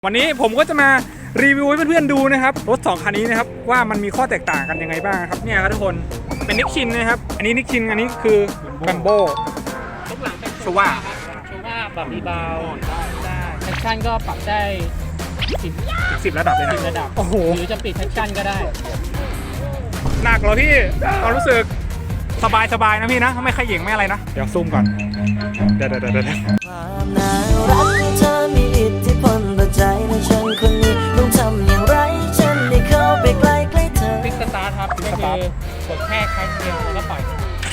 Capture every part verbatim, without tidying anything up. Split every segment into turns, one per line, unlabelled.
วันนี้ผมก็จะมารีวิวให้เพื่อนๆดูนะครับรถสองคันนี้นะครับว่ามันมีข้อแตกต่างกันยังไงบ้างครับเนี่ยครับทุกคนเป็นนิกชินนะครับอันนี้นิกชินอันนี้คือแบมโบ
ทุกหลังเป็น
โชว่า
ครับโชว่าปรับรีบาวได้แท็กชั่นก็ปรับได้สิบ
สิบระดับเลยนะ
สิบระดับ
โอ้โห
หรือจะปิดแท็กชั่นก็ได้
หนักเหรอพี่ความรู้สึกสบายสบายๆนะพี่นะไม่ขย่งไม่อะไรนะเดี๋ยวซูมก่อนเดี๋ยวเดี๋ยวเดี๋ยว
ความน่ารักของเธอมีอิทธิพลต่อใจในฉันคนนี้ต้องทำอย่างไรฉันได้เข้าไปใกล้ใกล้เธอ
คลิกสตาร์ทครับก็คือกดแค่ครั้งเดียวแล้วก็ปล่อย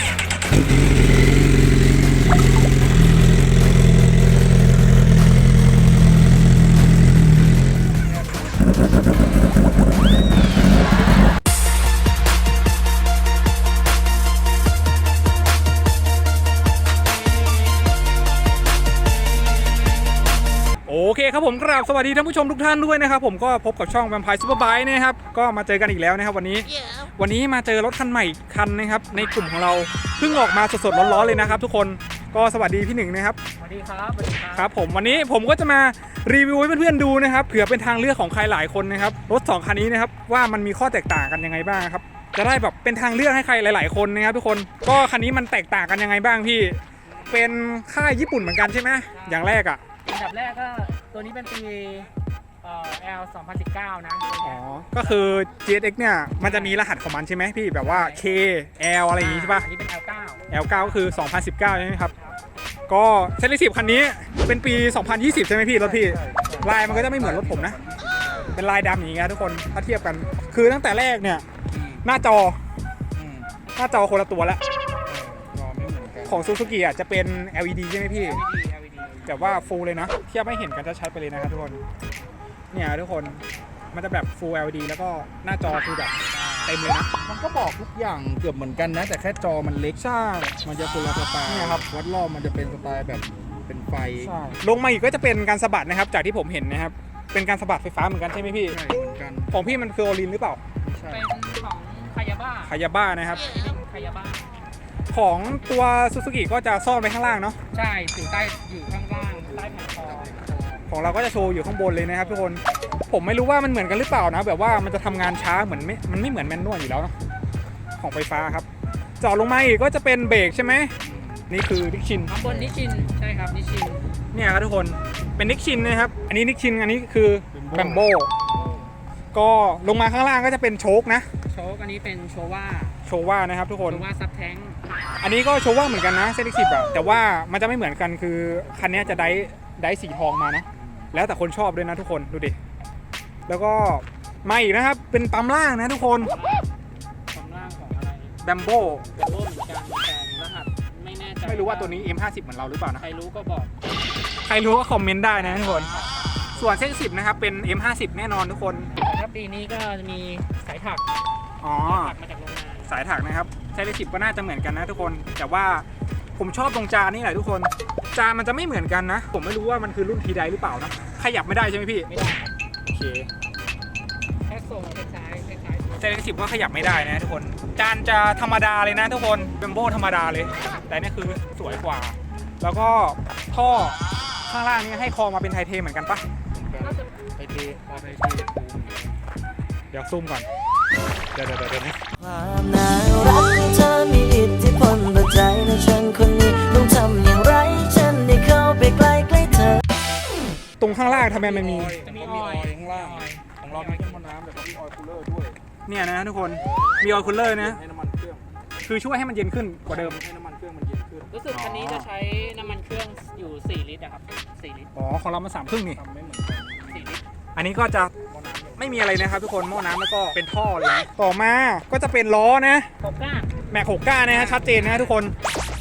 โอเคครับผมกราบสวัสดีท่านผู้ชมทุกท่านด้วยนะครับผมก็พบกับช่อง Vampire Superbike นะครับก็มาเจอกันอีกแล้วนะครับวันนี้ วันนี้มาเจอรถคันใหม่อีกคันนะครับในกลุ่มของเราเพิ่งออกมาสดๆร้อนๆเลยนะครับทุกคนก็สวัสดีพี่หนึ่งนะครับ
สวัสดีครับสวัสดีครับ
ครับผมวันนี้ผมก็จะมารีวิวให้เพื่อนๆดูนะครับเผื่อเป็นทางเลือกของใครหลายคนนะครับรถสองคันนี้นะครับว่ามันมีข้อแตกต่างกันยังไงบ้างครับจะได้แบบเป็นทางเลือกให้ใครหลายๆคนนะครับทุกคนก็คันนี้มันแตกต่างกันยังไงบ้างพี่เป็นค่ายญี่ปุ่นเหมือนกันใช่ไหมอย่างแรกอ่ะ
อันดับแรกก็ตัวนี้เป็นปีเอ่อ แอล สองพันสิบเก้านะ
อ๋อก็คือ จี เอส เอ็กซ์ เนี่ยมันจะมีรหัสของมันใช่ไหมพี่แบบว่า K L อะไรอย่างงี้ใช่ปะ
อันนี้เป็น แอล เก้า
แอล เก้า ก็คือ สองพันสิบเก้า ใช่ไหมครับก็เซตสิบคันนี้เป็นปี สองพันยี่สิบ ใช่ไหมพี่รถพี่ลายมันก็จะไม่เหมือนรถผมนะเป็นลายดำอย่างเงี้ยทุกคนถ้าเทียบกันคือตั้งแต่แรกเนี่ยหน้าจอหน้าจอคนละตัวแล้วของ Suzuki อ่ะจะเป็น แอล อี ดี ใช่ไหมพี่
แอล อี ดี แอล อี ดี
แต่ว่าฟูลเลยนะเทียบให้เห็นกันชัดๆไปเลยนะครับทุกคนเนี่ยทุกคนมันจะแบบ Full แอล อี ดี แล้วก็หน้าจอคือแบบเต็มเลยนะ
มันก็บอกทุกอย่างเกือบเหมือนกันนะ แต่แค่จอมันเล็ก
ใช่
มันจะคนละสไตล์
เนี่ยครับ
วัดรอบมันจะเป็นสไตล์แบบเป็นไฟ
ใช่ลงมาอีกก็จะเป็นการสะบัดนะครับจากที่ผมเห็นนะครับเป็นการสะบัดไฟฟ้าเหมือนกันใช่ไหมพี่
ใช่เหมือนกัน
ของพี่มันคือโอลินหรือเปล่า
ใช่
เป็นของคายาบ้า
คายาบ้านะครับ
คายาบ้า
ของตัวซูซูกิก็จะซ่อนไว้ข้างล่างเนาะ
ใช่อยู่ใต้อยู่ข้างล่างใต้แผ่นคอ
ของเราก็จะโชว์อยู่ข้างบนเลยนะครับทุกคนผมไม่รู้ว่ามันเหมือนกันหรือเปล่านะแบบว่ามันจะทำงานช้าเหมือนไม่มันไม่เหมือนแมนนวลอยู่แล้วเนาะของไฟฟ้าครับเจาะลงมาอีกก็จะเป็นเบรกใช่ไหมนี่คือนิกชิน
ข้างบนนิชินใช่ครับนิชิน
เนี่ยครับทุกคนเป็นนิกชินนะครับอันนี้นิกชินอันนี้คือแบมโบก็ลงมาข้างล่างก็จะเป็นโชคนะ
โชคอันนี้เป็นโชว่า
โชว่านะครับทุกคน
โชว่าซับแท้ง
อันนี้ก็โชว่าเหมือนกันนะเซนิกสิบอะแต่ว่ามันจะไม่เหมือนกันคือคันนี้จะได้ได้สีทองมานะแล้วแต่คนชอบด้วยนะทุกคนดูดิแล้วก็มาอีกนะครับเป็นปั๊มล่างนะทุกคน
ความล่างของอะไร
แบมโบ
เป็นโบเหมือนกันแต่รหัสไม่แน่ใจ
ไม่รู้ว่าตัวนี้ เอ็ม ห้าสิบ เหมือนเราหรือเปล่านะ
ใครรู้ก็บอก
ใครรู้ก็คอมเมนต์ได้นะทุกคนส่วนเซนิกสิบนะครับเป็น เอ็ม ห้าสิบ แน่นอนทุกคน
แต่ถ้าปีนี้ก็จะมีสายถัก
อ๋อ
ถักมาจากโรงงาน
สายถักนะครับเซนิกสิบก็น่าจะเหมือนกันนะทุกคนแต่ว่าผมชอบตรงจานนี่แหละทุกคนจานมันจะไม่เหมือนกันนะผมไม่รู้ว่ามันคือรุ่นทีไดหรือเปล่านะขยับไม่ได้ใช่ไหมพี่
ไม่ได้
โอเค
แค่ส่งคล้ายๆคล้าย
เซเลสิบก็ขยับไม่ได้นะทุกคนจานจะธรรมดาเลยนะทุกคนเบมโบธรรมดาเลย แต่นี่คือสวยกว่า แล้วก็ท่อข้างล่างนี่ให้คอมาเป็นไทเทเหมือนกันปะ
ไอเทพอไอเท
เดี๋ยวซูมก่อนเดี๋ยวเดี๋ยวเดี๋ยวนะ
ความน่ารักของเธอมีอิทธิพลต่อใจในฉันคนนี้ต้องทำอย่างไรฉันได้เข้าไปใกล้ใกล้เธอ
ตรงข้างล่างทำไมมันมี
จะมี
มี
อ
อ
อ
อย ย
ล์
ข้างล่าง ของเรามีเครื่องพ่นน้ำแต่ก็มีออยล์คูลเลอร์ด้วย
เนี่ยนะทุกคนมีออยล์คูลเลอร์นะ
ให้น้ำมันเครื่อง
คือช่วยให้มันเย็นขึ้นกว่าเดิม
ให้น้ำมันเครื่องมันเย็นขึ้น
รู้สึกคันนี้จะใช้น้ำมันเครื่องอยู่สี่ลิตรนะครับสี่ลิตร
อ๋อของเรามันสามครึ่งนี่
ทำไม่เหมือนกัน
สี่ลิตร
อันนี้ก็จะ
หม้อน้ำ
ไม่มีอะไรนะครับทุกคนหม้อน้ำแล้วก็เป็นท่อเลยนะต่อมาก็จะเป็นล้อนะ
หกก้า
แม็กหกก้านะฮะชัดเจนนะฮะทุกคน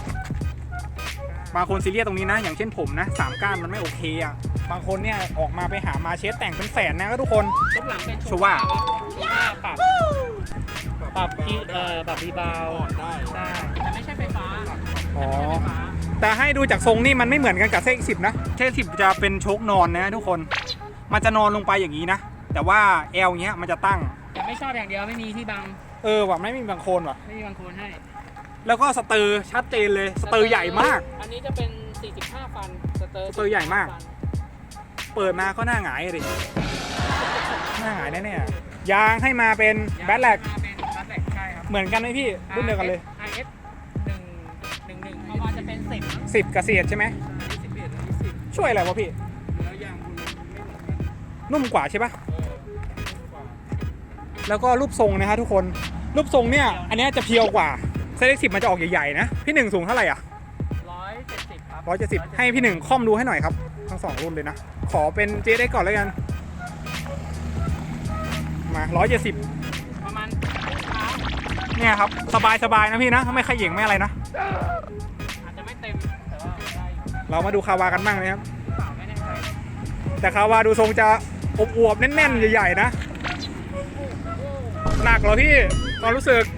บางคนซีเรียสตรงนี้นะ อย่างเช่นผมนะสามก้านมันไม่โอเคอ่ะบางคนเนี่ยออกมาไปหามาเชสแต่งเป็นแสนนะก็ทุกคน
ทุกหลังเป็น
โชว่า
โชว่าปรับปรับที่เอ่อปรับรีบาว
ได้
ใช่แต่ไม่ใช่ไฟฟ้า
อ๋อ
แต่ไม่ใช่ไฟฟ้า
แต่ให้ดูจากทรงนี่มันไม่เหมือนกันกับเซกสิบนะเซกสิบจะเป็นโชคนอนนะทุกคนมันจะนอนลงไปอย่างนี้นะแต่ว่าแอลเงี้ยมันจะตั้ง
แต่ไม่ชอบอย่างเดียวไม่มีที่บัง
เออว่ะไม่มีบางโคนว่ะ
ไม่มีบังโคนให้
แล้วก็สเตอร์ชัดเจนเลยสเตอร์ใหญ่มาก
อันนี้จะเป็นสี่สิบห้าฟันสเตอร์
สเตอร์ใหญ่มาก
ฟัน
เปิดมาก็หน้าหงายเลยหน้าหงายแน่ๆยางให้มาเป็นแบทแลก
มาเป็นบัตแลกใช่ครับ
เหมือนกันไหมพี่รุ่นเดียวกันเลย
ไอ เอฟ หนึ่ง หนึ่ง หนึ่งประมาณจะเป็นสิบ
สิบกับเศษใช่ไหม
สิบเอ็ดและสิบ
ช่วยอะไรวะพี่
แล้วยางคุณไม่เหมือนกัน
นุ่มกว่าใช่ปะ
เออกว่า
แล้วก็รูปทรงนะฮะทุกคนรูปทรงเนี่ยอันเนี้ยจะเพียวกว่าเซตสิบมันจะออกใหญ่ๆนะพี่หนึ่งสูงเท่าไหร่อ่ะ
ร้อยเจ็ดสิบครับ
ร้อยเจ็ดสิบให้พี่หนึ่งค่อมดูให้หน่อยครับทั้งสองรุ่นเลยนะขอเป็น เจ เอ็กซ์ ก่อนแล้วกันมาร้อยเจ็ดสิบ
ประมาณเท้า
เนี่ยครับสบายๆนะพี่นะไม่ขย่งไม่อะไรนะ
อาจจะไม่เต็มแต่ว่าได้อยู่
เรามาดูคาวากันบ้างนะครับ
เปล่าไม่แน่ใจ
แต่คาวาดูทรงจะอวบๆแน่นๆใหญ่ๆนะหนักเหรอพี่ความรู้สึก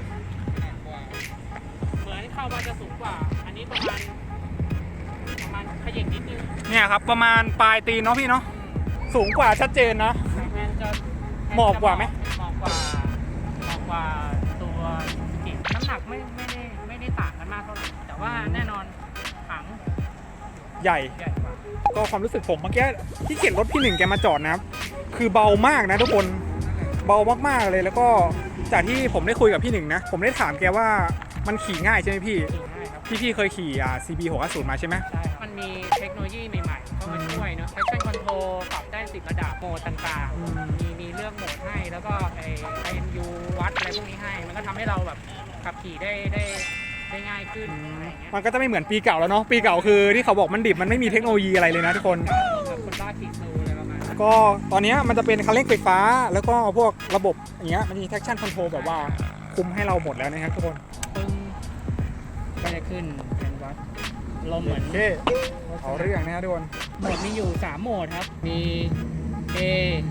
เหมือนเข้ามาจะสูงกว่า อันนี้ประมาณประมาณขยิบนิดนึง
เนี่ยครับประมาณปลายตีนเนาะพี่เนาะสูงกว่าชัดเจนนะ
แมนจะ
หมอบกว่าไหม
หมอบกว่าหมอบกว่าตัวสกิน้ำหนักไม่ไม่ได้ไม่ได้ต่างกันมากเท่าไหร่แต่ว่าแน่นอนถัง
ใหญ่
ใหญ่กว่า
ก็ความรู้สึกผมเมื่อกี้ที่เข็นรถพี่หนึ่งแกมาจอดนะครับคือเบามากนะทุกคนเบามากๆเลยแล้วก็จากที่ผมได้คุยกับพี่หนึ่งนะผมได้ถามแกว่ามันขี่ง่ายใช่ไหมพี่
ขี่ง่ายครับ
พี่พี่เคยขี่อ่า ซี บี หกห้าศูนย์ มาใช่ไหม
ใช่ครับมันมีเทคโนโลยีใหม่ๆเข้ามาช่วยเนาะ traction control ปรับได้สิบระดับโหมดต่าง
อืม
ๆ มีมีเลือกโหมดให้แล้วก็ไอ ไอ เอ็ม ยู วัดอะไรพวกนี้ให้ มันก็ทำให้เราแบบขับขี่ได้ได้ได้ง่ายขึ้นอะไรอย่างเงี้ย
มันก็จะไม่เหมือนปีเก่าแล้วเนาะปีเก่าคือที่เขาบอกมันดิบมันไม่มีเทคโนโลยีอะไรเลยนะทุกคน
แบบคนบ้าขี่ซูอะไรประมาณนั้น
ก็ตอนนี้มันจะเป็นคันเร่งไฟฟ้า แล้วก็พวกระบบอย่างเงี้ยมันมี traction control แบบว่าคุมให้เราหมดแล้วนะครับทุกคน
ปึ้งก็จะขึ้นเป็นวัดลมเหมือน
โอเคเอาเรื่องนะครับทุกคน
โหมดมีอยู่สามโหมดครับ มี A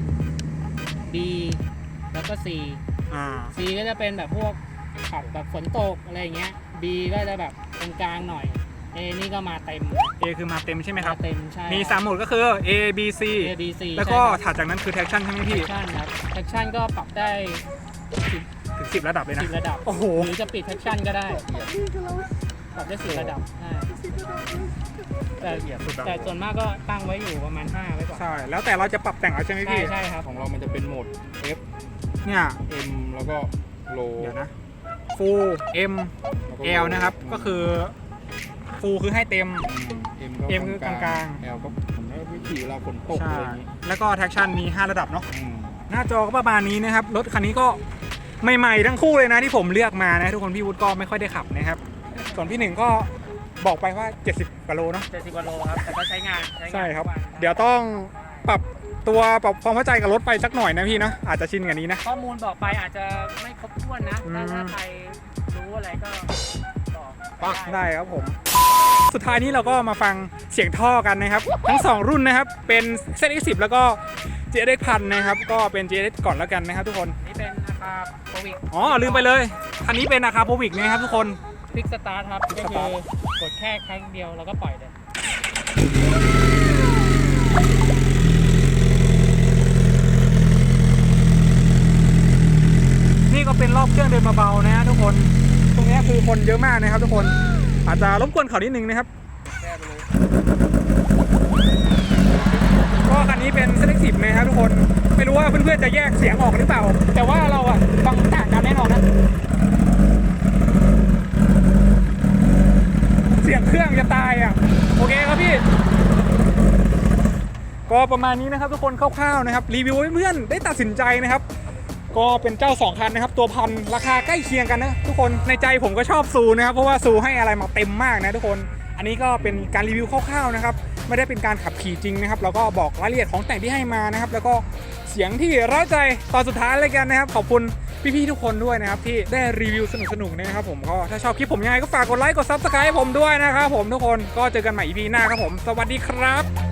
B แล้วก็ C
อ่า
C ก็จะเป็นแบบพวกขับแบบฝนตกอะไรอย่างเงี้ย B ก็จะแบบกลางๆหน่อย A นี่ก็มาเต็ม
A คือมาเต็มใช่ไหมครับ
าเต็มใช่
มีสามโหมดก็คือ A B C
A B C
แล้วก็ถัดจากนั้นคือ traction ใช่ไหมพี่
traction ครับ traction ก็ปรับได้สิบ
ถึงสิบระดับเลยนะ
สิบระดับ
โอ้โห
หรือจะปิด traction ก็ได้ปรับได้สิบระดับใช่แต่
สุดอะ
แต่ส่วนมากก็ตั้งไว้อยู่ประมาณห้าไว้ก่อน
ใช่ แล้วแต่เราจะปรับแต่งเอาใช่ไหม
ใช่
พี่
ใช่ครับ
ของเรามันจะเป็นโหมด F
เนี่ย
M แล้วก็ Low
เดี๋ยวนะ full M
แล้วก็
L นะครับ ก็คือ full คือให้เต็ม
M ก็
M คือกลางๆ
L ก็ผมว่าวิธีเราฝนตก
ใช่
อะไรอย่างนี้
แล้วก็ traction มีห้าระดับเนาะ
อืม
หน้าจอก็ประมาณนี้นะครับ รถคันนี้ก็ใหม่ๆทั้งคู่เลยนะที่ผมเลือกมานะทุกคนพี่วุฒิก็ไม่ค่อยได้ขับนะครับ ส่วนพี่หนึ่งก็บอกไปว่าเจ็ดสิบกว่าโลเนาะ
เจ็ดสิบกว่าโลครับ แต่ก็ใช้งานใช้งาน
ใช่ครับ
ทุกวัน
เดี๋ยวต้องปรับตัวปรับความเข้าใจกับรถไปสักหน่อยนะพี่นะอาจจะชินกับนี้นะ
ข้อมูลบอกไปอาจจะไม่ครบถ้วนนะ ถ้า
อืม
ถ้าใครรู้อะไรก็บอก
ปักได้ครับผม สุดท้ายนี้เราก็มาฟังเสียงท่อกันนะครับ ทั้งสองรุ่นนะครับ เป็น เซต เอ็กซ์ สิบ แล้วก็ เจ เอ็กซ์ พันนะครับ ก็เป็น เจ เอ็กซ์ ก่อนแล้วกันนะครับทุกคน
นี่เป็นอาคาโควิก
อ๋อ ลืมไปเลย คันนี้เป็นอาคาโพวิกนะครับทุกคน
คลิกสตาร์ทครับ
Quick
ก็
Start
คือกดแค่ครั้งเดียวแล้วก็ปล่อยเลย
นี่ก็เป็นรอบเครื่องเดินเบาๆนะฮะทุกคน ตรงนี้คือคนเยอะมากนะครับทุกคน อาจจะรบกวนเขานิดนึงนะครับ
แค่ไปเลย
ก็คันนี้เป็น เซต เอ็กซ์ สิบ นะครับทุกคน ไม่รู้ว่าเพื่อนๆจะแยกเสียงออกหรือเปล่า แต่ว่าเราอะฟังต่างกันแน่นอนนะ เสียงเครื่องจะตายอะโอเคครับพี่ ก็ประมาณนี้นะครับทุกคนคร่าวๆนะครับรีวิวให้เพื่อนได้ตัดสินใจนะครับ ก็เป็นเจ้าสองคันนะครับตัวพันราคาใกล้เคียงกันนะทุกคนในใจผมก็ชอบซูนะครับเพราะว่าซูให้อะไรมาเต็มมากนะทุกคนอันนี้ก็เป็นการรีวิวคร่าวๆนะครับไม่ได้เป็นการขับขี่จริงนะครับแล้วก็บอกรายละเอียดของแต่งที่ให้มานะครับแล้วก็เสียงที่เร้าใจตอนสุดท้ายเลยกันนะครับขอบคุณพี่ๆทุกคนด้วยนะครับที่ได้รีวิวสนุกๆนะครับผมก็ถ้าชอบคลิปผมยังไงก็ฝากกดไลค์กดซับสไครต์ผมด้วยนะครับผมทุกคนก็เจอกันใหม่ อี พี หน้าครับผมสวัสดีครับ